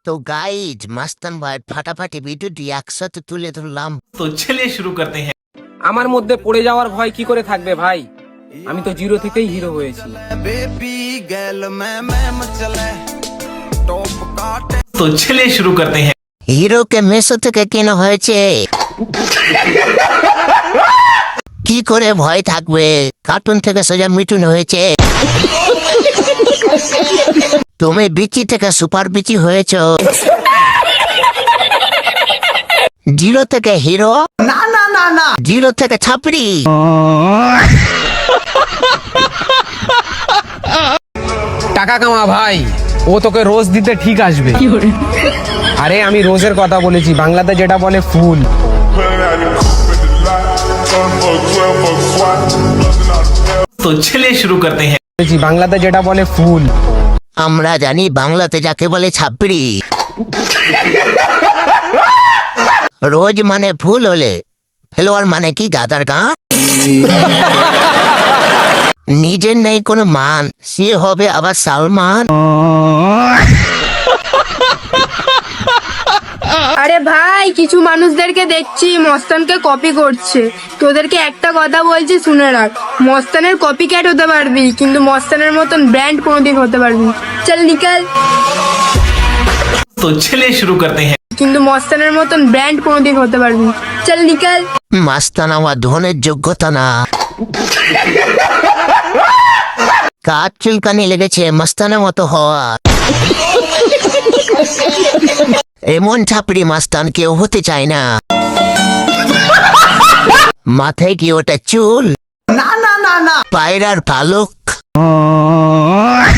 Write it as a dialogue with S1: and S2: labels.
S1: তো গাইজ মাস্তান ভাই ফাটাফাটি ভিডিওটি একসাথে তুলে ধরলাম।
S2: तो चलिए शुरू करते हैं।
S3: আমার মধ্যে পড়ে যাওয়ার ভয় কি করে থাকবে ভাই? আমি তো জিরো থেকেই হিরো হয়েছি।
S2: तो चलिए शुरू करते हैं।
S1: হিরোকে মেসো থেকে কেনা হয়েছে, কি করে ভয় থাকবে? কার্টুন থেকে সোজা মিঠুন হয়েছে। তুমি বিচি থেকে সুপার বিচি হয়েছ। জিরো থেকে হিরো, না না না না, জিরো থেকে ছাপড়ি।
S3: টাকা কামা ভাই, ও তোকে রোজ দিতে ঠিক আসবে। আরে আমি রোজের কথা বলেছি, বাংলাতে যেটা বলে ফুল।
S2: तो चलिए शुरू करते हैं।
S3: বাংলাতে যেটা বলে ফুল।
S1: আমরা জানি বাংলাতে যাকে বলে ছাপড়ি। রোজ মানে ফুল হলে ফেলোয়ার মানে কি গাদার গা। নিজের নেই কোনো মান, সে হবে আবার সালমান।
S4: আরে ভাই, কিছু মানুষদেরকে দেখছি মস্তানকে কপি করছে। তোদেরকে একটা কথা বলছি, শুনে রাখ। মস্তানের কপি ক্যাট হতে পারবি, কিন্তু মস্তানের মতন ব্র্যান্ড কোনোদিন হতে পারবি। চল নিকাল।
S2: तो चलिए शुरू करते हैं।
S4: কিন্তু মস্তানের মতন ব্র্যান্ড কোনোদিন হতে পারবি। চল নিকাল।
S1: মাস্তান আমার ধনের যোগ্যতা না। কাজ চুলকানি লেগেছে মাস্তানের মতো হওয়া। এমন ছাপড়ি মাস্তান কেউ হতে চায় না। মাথায় কি ওটা চুল? না না না না, পায়রার পালক।